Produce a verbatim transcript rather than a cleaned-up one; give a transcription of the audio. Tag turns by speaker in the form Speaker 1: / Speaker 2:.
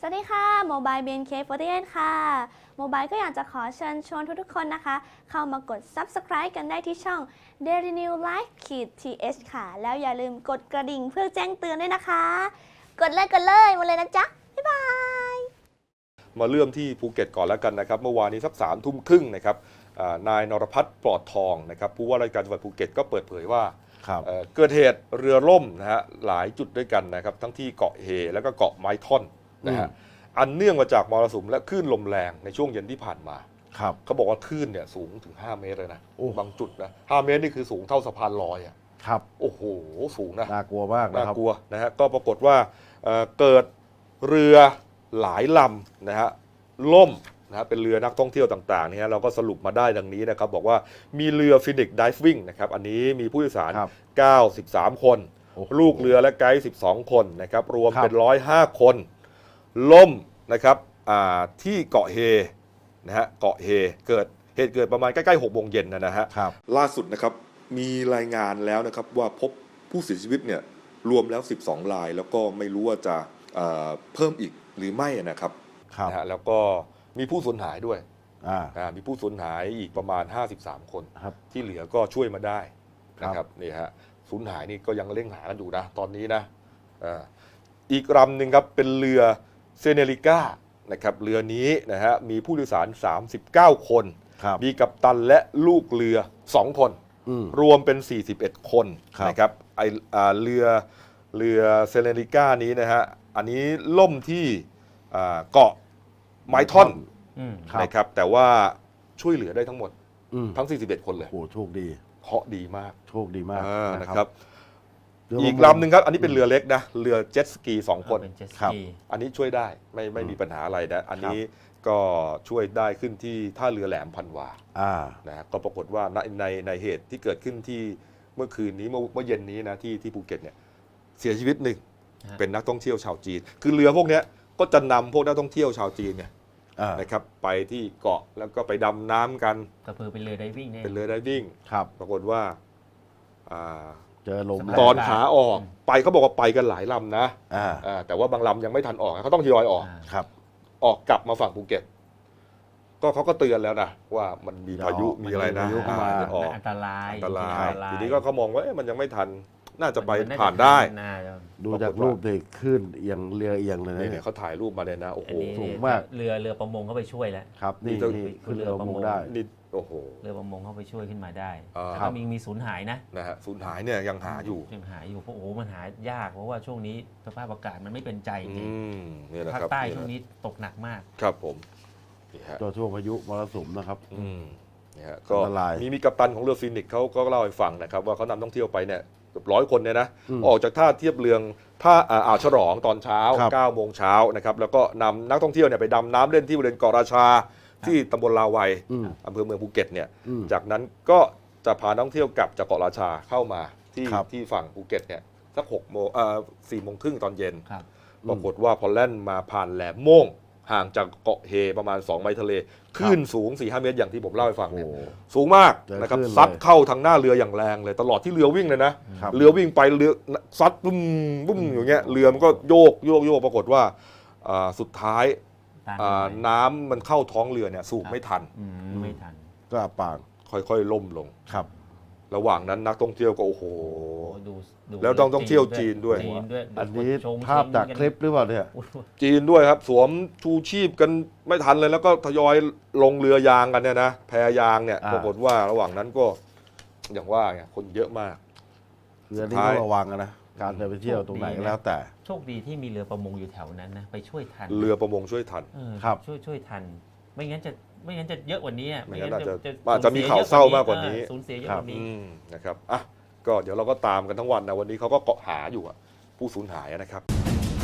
Speaker 1: วัสดีค่ะโมบาย บี เอ็น เค สี่สิบแปด ค่ะโมบายก็อยากจะขอเชิญชวนทุกๆคนนะคะเข้ามากด ซับสไครบ์ กันได้ที่ช่อง Daily News Live ที เอช ค่ะแล้วอย่าลืมกดกระดิ่งเพื่อแจ้งเตือนด้วยนะคะกดเลยกดเลยมาเลยนะจ๊ะบ๊ายบาย
Speaker 2: มาเริ่มที่ภูเก็ตก่อนแล้วกันนะครับเมื่อวานนี้สักสามทุ่มครึ่งนะครับนายนรพัฒน์ปลอดทองนะครับผู้ว่าราชการจังหวัดภูเก็ตก็เปิดเผยว่าเกิดเหตุเรือล่มนะฮะหลายจุดด้วยกันนะครับทั้งที่เกาะเฮและก็เกาะไม้ท่อนนะฮะอันเนื่องมาจากมรสุมและคลื่นลมแรงในช่วงเย็นที่ผ่านมาเขาบอกว่าคลื่นเนี่ยสูงถึงห้าเมตรเลยนะบางจุดนะห้าเมตรนี่คือสูงเท่าสะพานลอยอ่ะ
Speaker 3: ครับ
Speaker 2: โอ้โหสูงนะ
Speaker 3: น่ากลัวมาก
Speaker 2: น่ากลัวนะฮะก็ปรากฏว่าเกิดเรือหลายลำนะฮะล่มนะฮะเป็นเรือนักท่องเที่ยวต่างๆเนี่ยเราก็สรุปมาได้ดังนี้นะครับบอกว่ามีเรือฟินิกส์ไดฟ์วิ่งนะครับอันนี้มีผู้โดยสารเก้าสิบสามคนลูกเรือและไกด์สิบสองคนนะครับรวมเป็นหนึ่งร้อยห้าคนล่มนะครับที่เกาะเฮนะฮะเกาะเฮเกิดเหตุเกิดประมาณใกล้ๆหกโมงเย็นนะฮะล่าสุดนะครับมีรายงานแล้วนะครับว่าพบผู้เสียชีวิตเนี่ยรวมแล้วสิบสองรายแล้วก็ไม่รู้ว่าจะเพิ่มอีกหรือไม่นะครับนะฮะแล้วก็มีผู้สูญหายด้วยมีผู้สูญหายอีกประมาณห้าสิบสามคนที่เหลือก็ช่วยมาได้นะครับนี่ฮะสูญหายนี่ก็ยังเร่งหากันอยู่นะตอนนี้นะอีกลำหนึ่งครับเป็นเรือเซเนริก้านะครับเรือนี้นะฮะมีผู้โดยสารสามสิบเก้าคนมีกัปตันและลูกเรือสองคนรวมเป็นสี่สิบเอ็ดคนนะครับไอเรือเรือเซเนริก้านี้นะฮะอันนี้ล่มที่เกาะไม้ท่อนนะครับแต่ว่าช่วยเหลือได้ทั้งหมดทั้งสี่สิบเอ็ดคนเลย
Speaker 3: โอ้โชคดี
Speaker 2: เคราะห์ดีมาก
Speaker 3: โชคดีมาก
Speaker 2: นะครับอีกลำหนึ่งครับอันนี้เป็นเรือเล็กนะเรือเจ็ตสกีสองคนครับอันนี้ช่วยได้ไม่ไม่มีปัญหาอะไรนะอันนี้ก็ช่วยได้ขึ้นที่ท่าเรือแหลมพันวานะก็ปรากฏว่าในในในเหตุที่เกิดขึ้นที่เมื่อคืนนี้เมื่อเมื่อเย็นนี้นะที่ที่ภูเก็ตเนี่ยเสียชีวิตหนึ่งเป็นนักท่องเที่ยวชาวจีนคือเรือพวกนี้ก็จะนำพวกนักท่องเที่ยวชาวจีนเนี่ยนะครับไปที่เกาะแล้วก็ไปดำน้ำกัน
Speaker 4: ก็คือเป็นเรือไดวิ่ง
Speaker 2: เป็นเรือไดวิ่งปรากฏว่า
Speaker 3: เจอลม
Speaker 2: ตอนขาออกไปเขาบอกว่าไปกันหลายลำนะแต่ว่าบางลำยังไม่ทันออกเขาต้องทยอยออกออกกลับมาฝั่งภูเก็ตก็เขาก็เตือนแล้วนะว่ามันมีพายุมีอะไรนะ
Speaker 4: อันตราย
Speaker 2: อันตรายทีนี้ก็เขามองว่ามันยังไม่ทันน่าจะไปผ่านได้
Speaker 3: ดูจากรูปเลยขึ้นเอียงเรือเอียงเลยนะ
Speaker 2: เนี่ยเขาถ่ายรูปมาเลยนะโอ้โห
Speaker 3: สูงมาก
Speaker 4: เรือเรือประมงเข้าไปช่วยแล้ว
Speaker 3: ครับนี่คือเรือประมงได้
Speaker 2: นี่โอ้โห
Speaker 4: เรือประมงเข้าไปช่วยขึ้นมาได้ถ้ามีมีสูญหายนะ
Speaker 2: นะฮะสูญหายเนี่ยยังหาอยู่
Speaker 4: ยังหาอยู่เพราะโอ้โหมันหายากเพราะว่าช่วงนี้สภาพอากาศมันไม่เป็นใจจริงภาคใต้ช่วงนี้ตกหนักมาก
Speaker 2: ครับผม
Speaker 3: ตัวช่วงพายุมรสุมนะครับ
Speaker 2: นี่ฮะก็มีมีกัปตันของเรือฟินิกส์เขาก็เล่าให้ฟังนะครับว่าเขานำท่องเที่ยวไปเนี่ยเกือบร้อยคนเนี่ยนะออกจากท่าเทียบเรือท่าอ่าวฉลองตอนเช้าเก้าโมงเช้านะครับแล้วก็นำนักท่องเที่ยวเนี่ยไปดำน้ำเล่นที่บริเวณเกาะราชาที่ตำบลลาวัยอำเภอเมืองภูเก็ตเนี่ยจากนั้นก็จะพานักท่องเที่ยวกลับจากเกาะราชาเข้ามาที่ที่ฝั่งภูเก็ตเนี่ยสักหกโมงเอ่อสี่โมงครึ่งตอนเย็นปรากฏว่าพอแล่นมาผ่านแหลมโม่งห่างจากเกาะเฮประมาณสองไมล์ทะเลคลื่นสูง สี่ถึงห้า เมตรอย่างที่ผมเล่าให้ฟังเนี่ยสูงมากนะครับซัดเข้าทางหน้าเรืออย่างแรงเลยตลอดที่เรือวิ่งเลยนะเรือวิ่งไปเรือซัดบุ้มบุ้มอย่างเงี้ยเรือมันก็โยกโยกโยกปรากฏว่าสุดท้ายน้ำมันเข้าท้องเรือเนี่ยสูบไม่ทัน
Speaker 4: ไม่ทัน
Speaker 3: ก็ปาง
Speaker 2: ค่อยๆล่มลง
Speaker 3: ครับ
Speaker 2: ระหว่างนั้นนักท่องเที่ยวก็โอ้โหแล้วต้องต้องเที่ยวจีนด้วย
Speaker 3: อันนี้ภาพจากคลิปหรือเปล่าเนี่ย
Speaker 2: จีนด้วยครับสวมชูชีพกันไม่ทันเลยแล้วก็ทยอยลงเรือยางกันเนี่ยนะแพยางเนี่ยปรากฏว่าระหว่างนั้นก็อย่างว่าไงคนเยอะมาก
Speaker 3: เรือนี่ต้องระวังนะการไปเที่ยวตรงไหนก็แล้วแต่
Speaker 4: โชคดีที่มีเรือประมงอยู่แถวนั้นนะไปช่วยทัน
Speaker 2: เรือประมงช่วยทัน
Speaker 3: ครับ
Speaker 4: ช่วยช่วยทันไม่งั้นจะไม่งั้นจะเยอะกว่านี้
Speaker 2: ไม่งั้นจะจะมีข่าวเศร้ามากกว่านี้
Speaker 4: สูญเสียเยอะกว่านี้
Speaker 2: นะครับอ่ะก็เดี๋ยวเราก็ตามกันทั้งวันนะวันนี้เขาก็เกาะหาอยู่ผู้สูญหายนะครับ